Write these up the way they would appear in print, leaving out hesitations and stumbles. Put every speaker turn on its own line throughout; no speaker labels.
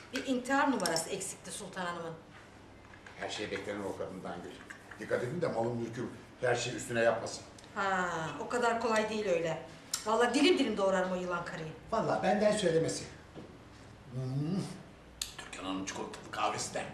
Bir intihar numarası eksikti Sultan Hanım'ın.
Her şey beklenen o kadından Gül. Dikkat edin de malın mülküm her şey üstüne yapmasın.
Ha, o kadar kolay değil öyle. Vallahi dilim dilim doğrarım o yılan karıyı.
Vallahi benden söylemesi. Türkan Hanım çikolatalı kahvesi de.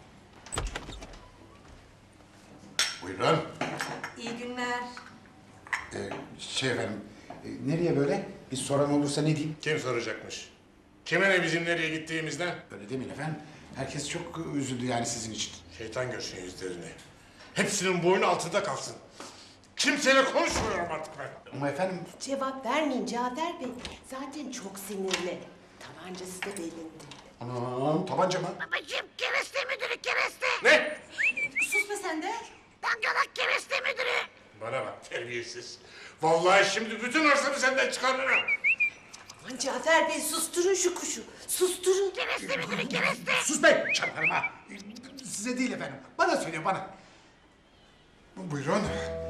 Buyurun.
İyi günler.
Efendim, nereye böyle? Bir soran olursa ne diyeyim?
Kim soracakmış? Kime ne bizim nereye gittiğimizden?
Öyle demeyin efendim. Herkes çok üzüldü yani sizin için.
Şeytan görsün yüzlerini. Hepsinin boynu altında kalsın. Kimseyle konuşmuyorum artık ben.
Ama efendim,
Cevap vermeyin Cafer Bey. Zaten çok sinirli. Tabancası da belinde.
anam tabanca mı?
Babacığım kereste müdürü kereste.
Ne?
Sus be sen de.
Dangalak kereste müdürü.
Bana bak terbiyesiz. Vallahi şimdi bütün arsamı senden çıkarırım.
Aman Cafer Bey susturun şu kuşu. Susturun.
Kereste müdürü kereste.
Sus be! Çarparım ha! Size değil efendim. Bana söylüyor, bana. Buyurun.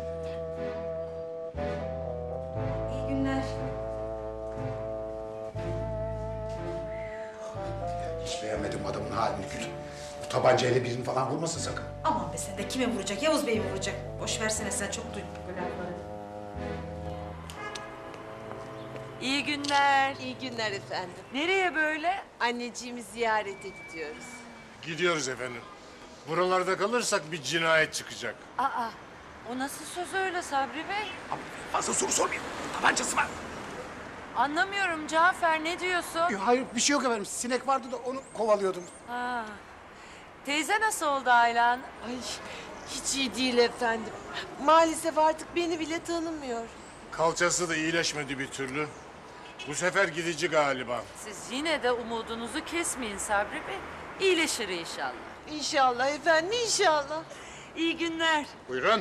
İyi günler.
Hiç beğenmedim adamın halini Gül. Bu tabancayla birini falan vurmasın sakın.
Aman be sen de kime vuracak? Yavuz Bey'i vuracak. Boş versene sen çok duydun bu lafları.
İyi günler.
İyi günler efendim.
Nereye böyle?
Anneciğimi ziyarete gidiyoruz.
Gidiyoruz efendim. Buralarda kalırsak bir cinayet çıkacak.
Aa, o nasıl söz öyle Sabri Bey?
Fazla soru sormayın. Tabancası var.
Anlamıyorum Cafer, ne diyorsun?
Hayır, bir şey yok efendim. Sinek vardı da onu kovalıyordum.
Ha. Teyze nasıl oldu Aylan?
Ay hiç iyi değil efendim. Maalesef artık beni bile tanımıyor.
Kalçası da iyileşmedi bir türlü. Bu sefer gidici galiba.
Siz yine de umudunuzu kesmeyin Sabri Bey. İyileşir inşallah.
İnşallah efendim inşallah.
İyi günler.
Buyurun.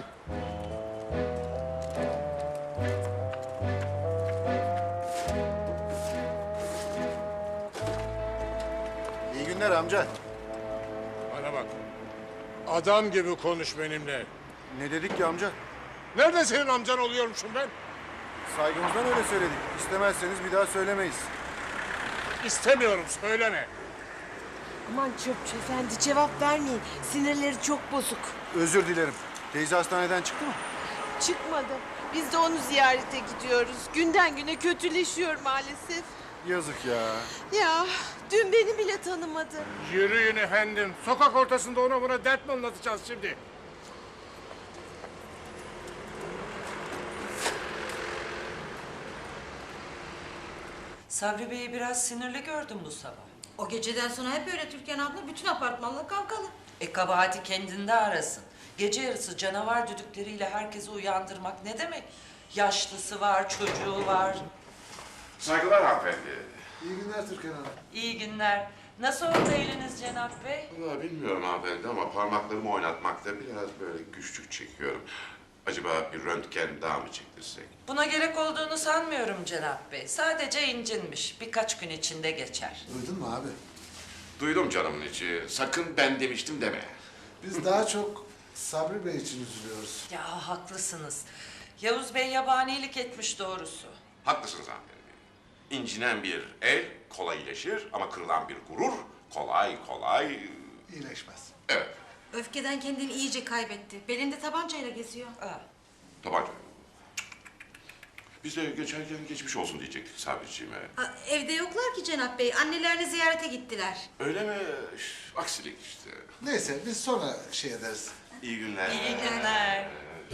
İyi günler amca.
Bana bak. Adam gibi konuş benimle.
Ne dedik ki amca?
Nerede senin amcan oluyormuşum ben?
Saygımızdan öyle söyledik. İstemezseniz bir daha söylemeyiz.
İstemiyorum, söyleme.
Aman çöpçü efendi cevap vermeyin. Sinirleri çok bozuk.
Özür dilerim. Teyze hastaneden çıktı mı?
Çıkmadı. Biz de onu ziyarete gidiyoruz. Günden güne kötüleşiyor maalesef.
Yazık ya.
Ya dün beni bile tanımadı.
Yürüyün efendim. Sokak ortasında ona buna dert mi anlatacağız şimdi?
Sabri Bey'i biraz sinirli gördüm bu sabah.
O geceden sonra hep öyle Türkan abla. Bütün apartmanla kavgalı.
Kabahati kendinde arasın. Gece yarısı canavar düdükleriyle herkesi uyandırmak ne demek? Yaşlısı var, çocuğu var.
Saygılar hanımefendi.
İyi günler Türkan Hanım.
İyi günler. Nasıl oldu eliniz Cenap Bey?
Vallahi bilmiyorum hanımefendi ama parmaklarımı oynatmakta biraz böyle güçlük çekiyorum. Acaba bir röntgen daha mı çektirsek?
Buna gerek olduğunu sanmıyorum Cenap Bey. Sadece incinmiş. Birkaç gün içinde geçer.
Duydun mu abi?
Duydum canımın içi. Sakın ben demiştim deme.
Biz daha çok Sabri Bey için üzülüyoruz.
Ya haklısınız. Yavuz Bey yabanilik etmiş doğrusu.
Haklısınız hanımefendi. İncinen bir el kolay iyileşir ama kırılan bir gurur kolay kolay...
İyileşmez.
Evet,
Öfkeden kendini iyice kaybetti. Belinde tabancayla geziyor.
Aa,
tabanca. Biz de geçerken geçmiş olsun diyecektik Sabriciğime.
Evde yoklar ki Cenap Bey. Annelerini ziyarete gittiler.
Öyle mi? Aksilik işte.
Neyse biz sonra şey ederiz.
İyi günler.
iyi günler.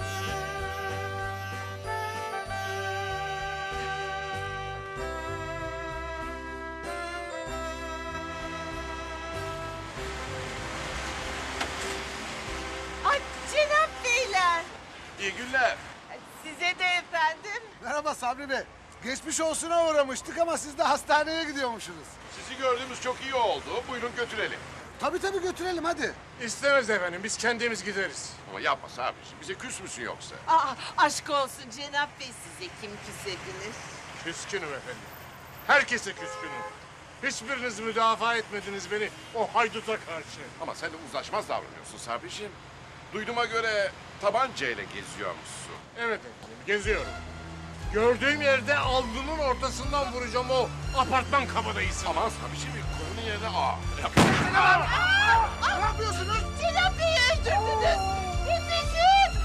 Ay Cenap Beyler.
İyi günler.
Size de efendim.
Merhaba Sabri Bey. Geçmiş olsuna uğramıştık ama siz de hastaneye gidiyormuşsunuz.
Sizi gördüğümüz çok iyi oldu. Buyurun götürelim.
Tabii götürelim hadi.
İstemez efendim, biz kendimiz gideriz.
Ama yapma Sabriciğim. Bize küs müsün yoksa?
Aa, aşk olsun Cenap Bey size kim küsebilir?
Küskünüm efendim. Herkese küskünüm. Hiçbiriniz müdafaa etmediniz beni o hayduta karşı.
Ama sen de uzlaşmaz davranıyorsun Sabriciğim. Duyduğuma göre tabancayla geziyormuşsun.
Evet efendim, geziyorum. Gördüğüm yerde alnının ortasından vuracağım o apartman kabadayısını. Aman Sabişim konunun yerine
Ne yapıyorsunuz?
Celal Bey'i öldürdünüz. Yetişin.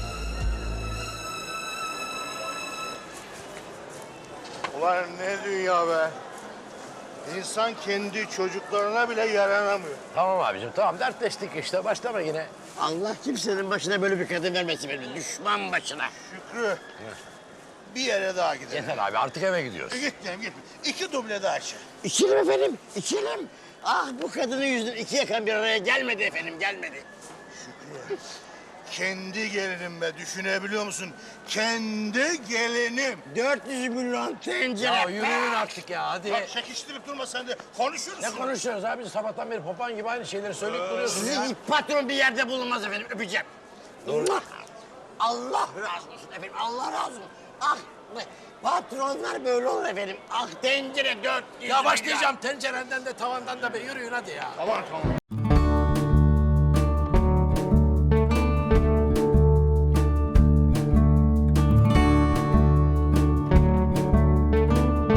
Ulan ne dünya be. İnsan kendi çocuklarına bile yaranamıyor.
Tamam abicim tamam dertleştik işte başlama yine. Allah kimsenin başına böyle bir kadın vermesin benim düşman başına.
Şükrü. Bir yere daha gidelim.
Yeter abi artık eve gidiyoruz.
Gitmeyelim gitme. 2 duble daha içelim.
İçelim efendim içelim. Ah bu kadının yüzünden iki yakan bir araya gelmedi efendim gelmedi.
Şükrü. Kendi gelinim be düşünebiliyor musun? Kendi gelinim.
400 milyon tencere. Ya yürüyün artık ya hadi.
Bak çekiştirip durma sen de. Konuşursun.
Ne konuşuyoruz abi sabahtan beri popan gibi aynı şeyleri söyleyip duruyorsun ya. Sizin patron bir yerde bulunmaz efendim öpeceğim. Allah, Allah razı olsun efendim Allah razı olsun. Ah patronlar böyle olur efendim. Ah tencere 400
Ya başlayacağım tencerenden de tavandan da be yürüyün hadi ya.
Tamam.